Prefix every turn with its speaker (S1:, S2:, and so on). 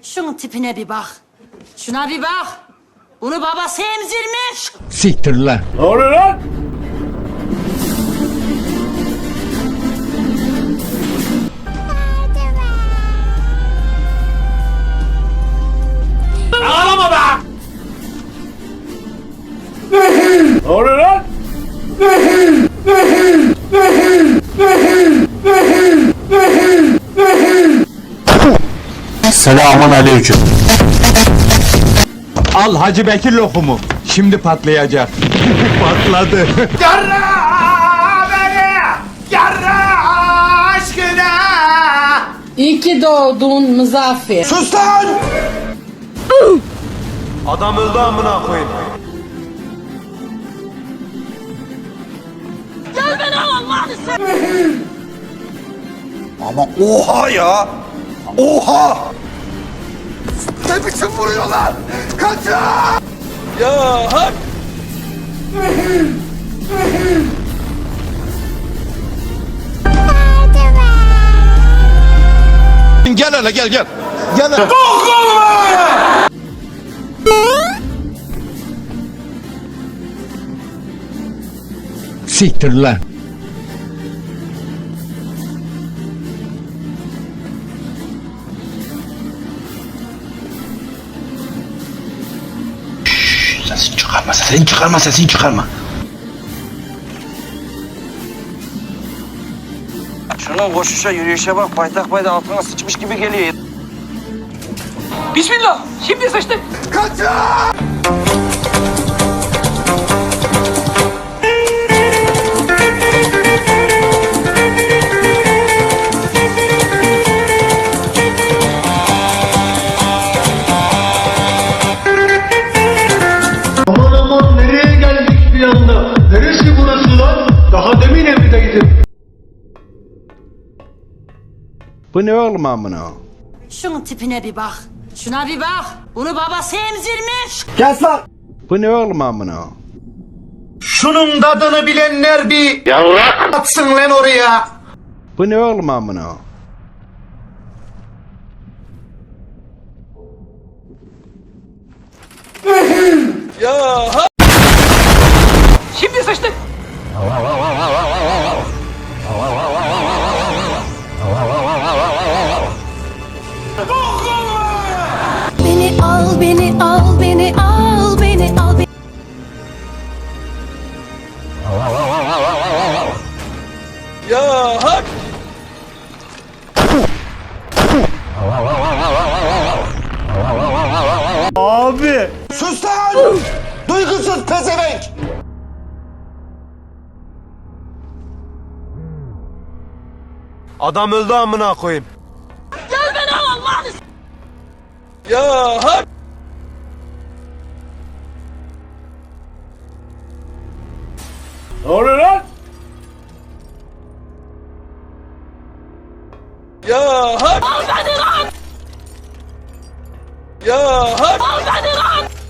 S1: Şunun tipine bir bak. Şuna bir bak. Bunu babası emzirmiş.
S2: Siktir lan.
S3: Ne oluyor lan? Ağlama be! Ne oluyor lan?
S2: Selamun aleyküm. Al Hacı Bekir lokumu. Şimdi patlayacak. Patladı.
S3: Yarra beni! Yarra aşkına!
S4: İyi ki doğdun Muzaffer.
S3: Sus lan! Adam öldü amına koyayım.
S1: Gel beni al Allah'ını seversen.
S3: Ama oha ya! Oha! Ne biçim vuruyorlar? Kaçın! Ya hak!
S2: Gel hele gel gel. Gel hele. Siktir lan. Sesini çıkarma, sesini çıkarma, sesini çıkarma.
S5: Şunun koşuşa yürüyüşe bak, paytak payda altına sıçmış gibi geliyor.
S6: Bismillah. Şimdi sıçtık.
S7: Aman aman nereye geldik bir anda? Neresi burası lan? Daha demin evdeydim.
S2: Bu ne oğlum amına?
S1: Şunun tipine bir bak. Şuna bir bak. Bunu babası emzirmiş.
S3: Kes lan!
S2: Bu ne oğlum amına?
S3: Şunun tadını bilenler bir yavrak atsın lan oraya.
S2: Bu ne oğlum amına?
S6: Şimdi sıçtık.
S1: Beni al, beni al, beni al, beni al.
S3: Abi! Sus lan! Duygusuz pezevenk! Adam öldü amına koyayım.
S1: Gel beni al Allah'ını seversen.
S3: Ya hak! Ne oluyor lan? Ya hak!
S1: Al beni lan.
S3: Ya hak!
S1: Al beni lan.